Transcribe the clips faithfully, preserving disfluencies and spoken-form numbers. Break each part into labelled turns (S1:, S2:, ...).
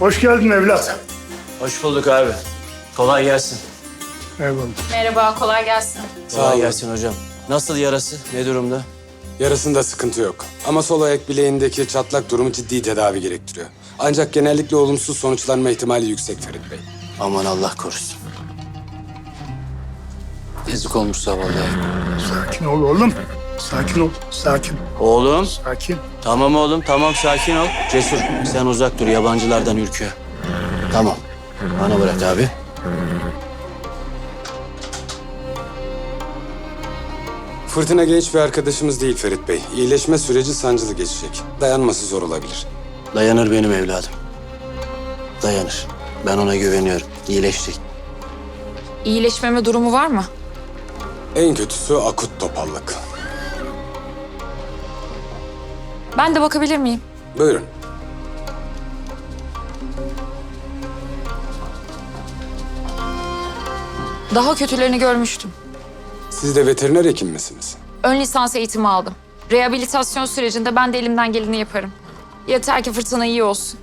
S1: Hoş geldin evlat.
S2: Hoş bulduk abi. Kolay gelsin.
S1: Eyvallah.
S3: Merhaba, kolay gelsin.
S2: Kolay gelsin hocam. Nasıl yarası? Ne durumda?
S4: Yarasında sıkıntı yok. Ama sol ayak bileğindeki çatlak durumu ciddi tedavi gerektiriyor. Ancak genellikle olumsuz sonuçlanma ihtimali yüksek Ferit Bey.
S2: Aman Allah korusun. Yazık olmuş zavallı.
S1: Sakin ol oğlum. Sakin ol. Sakin.
S2: Oğlum.
S1: Sakin.
S2: Tamam oğlum, tamam sakin ol. Cesur, sen uzak dur. Yabancılardan ürküyor. Tamam. Bana bırak abi.
S4: Fırtına genç bir arkadaşımız değil Ferit Bey. İyileşme süreci sancılı geçecek. Dayanması zor olabilir.
S2: Dayanır benim evladım. Dayanır. Ben ona güveniyorum. İyileşecek.
S3: İyileşmeme durumu var mı?
S4: En kötüsü akut topallık.
S3: Ben de bakabilir miyim?
S4: Buyurun.
S3: Daha kötülerini görmüştüm.
S4: Siz de veteriner hekim misiniz?
S3: Ön lisans eğitimi aldım. Rehabilitasyon sürecinde ben de elimden geleni yaparım. Yeter ki fırtına iyi olsun.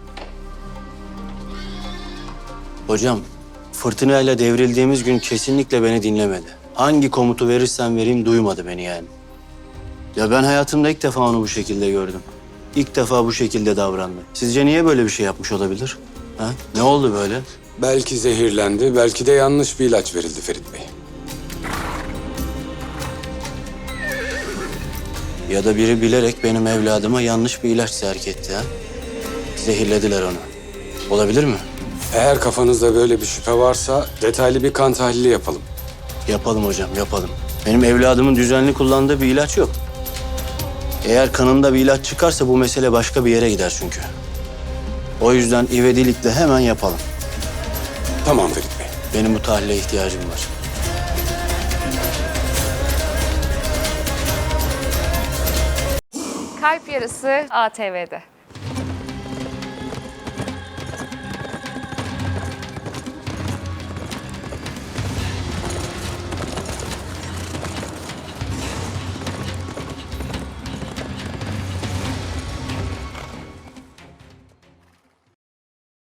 S2: Hocam, fırtınayla devrildiğimiz gün kesinlikle beni dinlemedi. Hangi komutu verirsen vereyim duymadı beni yani. Ya ben hayatımda ilk defa onu bu şekilde gördüm. İlk defa bu şekilde davrandı. Sizce niye böyle bir şey yapmış olabilir? Ha? Ne oldu böyle?
S4: Belki zehirlendi, belki de yanlış bir ilaç verildi Ferit Bey.
S2: Ya da biri bilerek benim evladıma yanlış bir ilaç serk etti ha? Zehirlediler onu. Olabilir mi?
S4: Eğer kafanızda böyle bir şüphe varsa detaylı bir kan tahlili yapalım.
S2: Yapalım hocam, yapalım. Benim evladımın düzenli kullandığı bir ilaç yok. Eğer kanında bir ilaç çıkarsa bu mesele başka bir yere gider çünkü. O yüzden ivedilikle hemen yapalım.
S4: Tamam Ferit Bey.
S2: Benim bu tahlile ihtiyacım var.
S5: Kalp Yarısı A T V'de.